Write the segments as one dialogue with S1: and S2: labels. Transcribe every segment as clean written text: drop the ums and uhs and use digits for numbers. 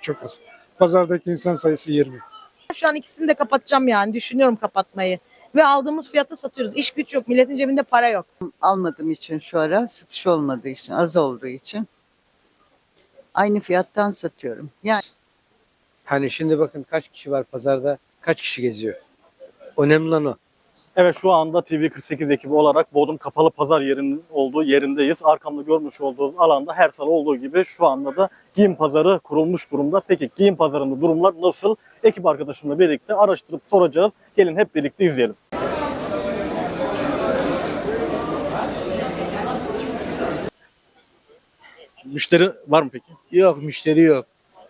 S1: çok az. Pazardaki insan sayısı 20.
S2: Şu an ikisini de kapatacağım yani. Düşünüyorum kapatmayı. Ve aldığımız fiyata satıyoruz. İş güç yok. Milletin cebinde para yok.
S3: Almadığım için şu ara satış olmadığı için, az olduğu için aynı fiyattan satıyorum. Yani
S4: Hani şimdi bakın kaç kişi var pazarda, kaç kişi geziyor. Önemli olan o.
S5: Evet, şu anda TV48 ekibi olarak Bodrum Kapalı Pazar yerinin olduğu yerindeyiz. Arkamda görmüş olduğunuz alanda her salı olduğu gibi şu anda da giyim pazarı kurulmuş durumda. Peki giyim pazarında durumlar nasıl? Ekip arkadaşımla birlikte araştırıp soracağız. Gelin hep birlikte izleyelim. Müşteri var mı peki?
S6: Yok, müşteri yok.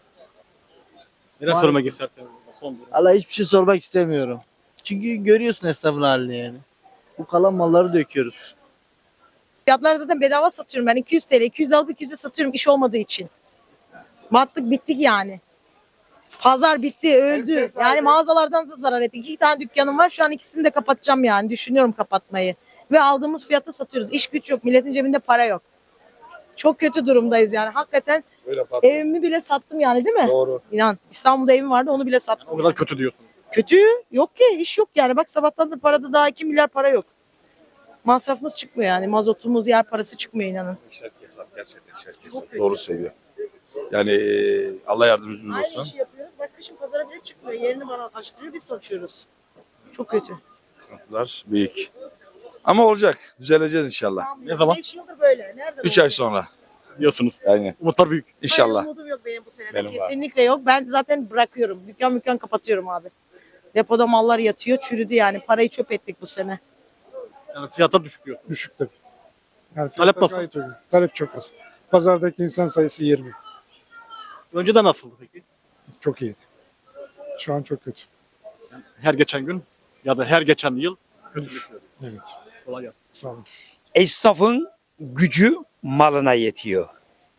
S5: Neler söylemek isterseniz? Son durum.
S6: Allah hiçbir şey sormak istemiyorum. Çünkü görüyorsun esnafın halini yani. Bu kalan malları döküyoruz.
S2: Fiyatlar zaten bedava satıyorum ben. 200 TL. 200 alıp 200'e satıyorum iş olmadığı için. Battık bittik yani. Pazar bitti, öldü. Yani mağazalardan da zarar ettik. 2 tane dükkanım var. Şu an ikisini de kapatacağım yani. Düşünüyorum kapatmayı. Ve aldığımız fiyata satıyoruz. İş güç yok. Milletin cebinde para yok. Çok kötü durumdayız yani. Hakikaten evimi bile sattım yani, değil mi?
S1: Doğru.
S2: İnan. İstanbul'da evim vardı, onu bile sattım.
S5: O kadar kötü diyorsun.
S2: Kötü. Yok ki, iş yok yani. Bak sabahtan da parada daha 2 milyar para yok. Masrafımız çıkmıyor yani. Mazotumuz, yer parası çıkmıyor inanın.
S7: İşler kesat, gerçekten işler
S2: Çok
S7: kesat.
S2: kötü.
S7: Doğru söylüyor. Yani Allah yardımcımız
S2: Aynı
S7: olsun.
S2: işi yapıyoruz. Bak kışın pazara bile çıkmıyor. Yerini bana açtırıyor, biz satıyoruz. Çok kötü.
S7: Sıkıntılar büyük. Ama olacak. Düzeleceğiz inşallah.
S5: Ne zaman?
S2: 5 yıldır böyle. Nereden
S7: 3 ay sonra.
S5: Diyorsunuz.
S7: Aynen.
S5: Umutlar büyük.
S7: İnşallah.
S2: Hayır, umudum yok benim bu sene.
S7: Benim var.
S2: Kesinlikle yok. Ben zaten bırakıyorum. Dükkan kapatıyorum abi. Depoda mallar yatıyor, çürüdü yani. Parayı çöp ettik bu sene.
S5: Yani fiyatlar düşük diyor.
S1: Düşük tabii. Yani
S5: Talep
S1: fiyatlar
S5: nasıl?
S1: gayet uygun. Talep çok az. Pazardaki insan sayısı 20.
S5: Önceden nasıldı peki?
S1: Çok iyiydi. Şu an çok kötü.
S5: Her geçen gün ya da her geçen yıl.
S1: Evet.
S5: Kolay gelsin.
S1: Sağ olun.
S8: Esnafın gücü malına yetiyor.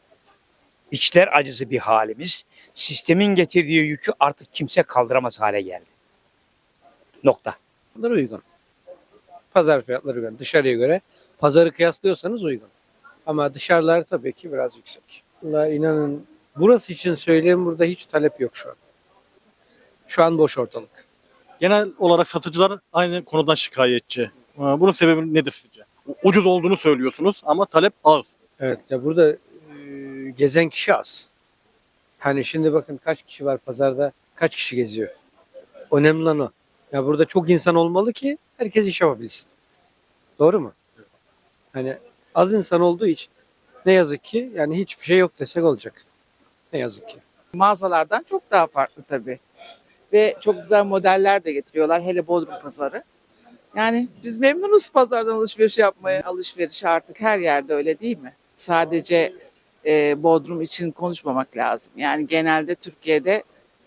S8: İçler acısı bir halimiz. Sistemin getirdiği yükü artık kimse kaldıramaz hale geldi. Nokta.
S4: Fiyatları uygun. Pazar fiyatları uygun. Dışarıya göre pazarı kıyaslıyorsanız uygun. Ama dışarılar tabii ki biraz yüksek. Vallahi inanın burası için söyleyeyim, burada hiç talep yok şu an. Şu an boş ortalık.
S5: Genel olarak satıcılar aynı konudan şikayetçi. Bunun sebebi nedir sizce? Ucuz olduğunu söylüyorsunuz ama talep az.
S4: Evet ya burada gezen kişi az. Hani şimdi bakın kaç kişi var pazarda, kaç kişi geziyor. Önemli olan o. Ya burada çok insan olmalı ki herkes iş yapabilsin. Doğru mu? Hani az insan olduğu için ne yazık ki yani hiçbir şey yok desek olacak. Ne yazık ki.
S9: Mağazalardan çok daha farklı tabii. Ve çok güzel modeller de getiriyorlar, hele Bodrum pazarı. Yani biz memnunuz pazardan alışveriş yapmaya. Alışveriş artık her yerde öyle değil mi? Sadece Bodrum için konuşmamak lazım. Yani genelde Türkiye'de,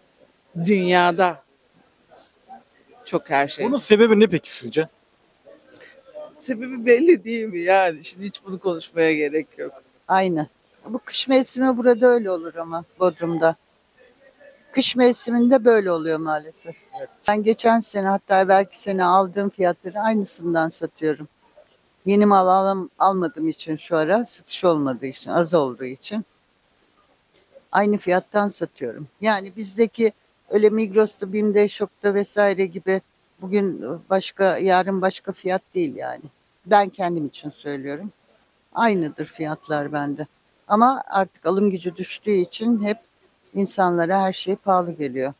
S9: dünyada çok her şey.
S5: Bunun sebebi ne peki sizce?
S9: Sebebi belli değil mi? Yani şimdi hiç bunu konuşmaya gerek yok.
S3: aynı. Bu kış mevsimi burada öyle olur ama Bodrum'da. Kış mevsiminde böyle oluyor maalesef. Ben geçen sene, hatta belki sene aldığım fiyatları aynısından satıyorum. Yeni mal almadığım için şu ara, satış olmadığı için, az olduğu için aynı fiyattan satıyorum. Yani bizdeki öyle Migros'ta, BİM'de, Şok'ta vesaire gibi bugün başka, yarın başka fiyat değil yani. Ben kendim için söylüyorum. Aynıdır fiyatlar bende. Ama artık alım gücü düştüğü için hep insanlara her şey pahalı geliyor.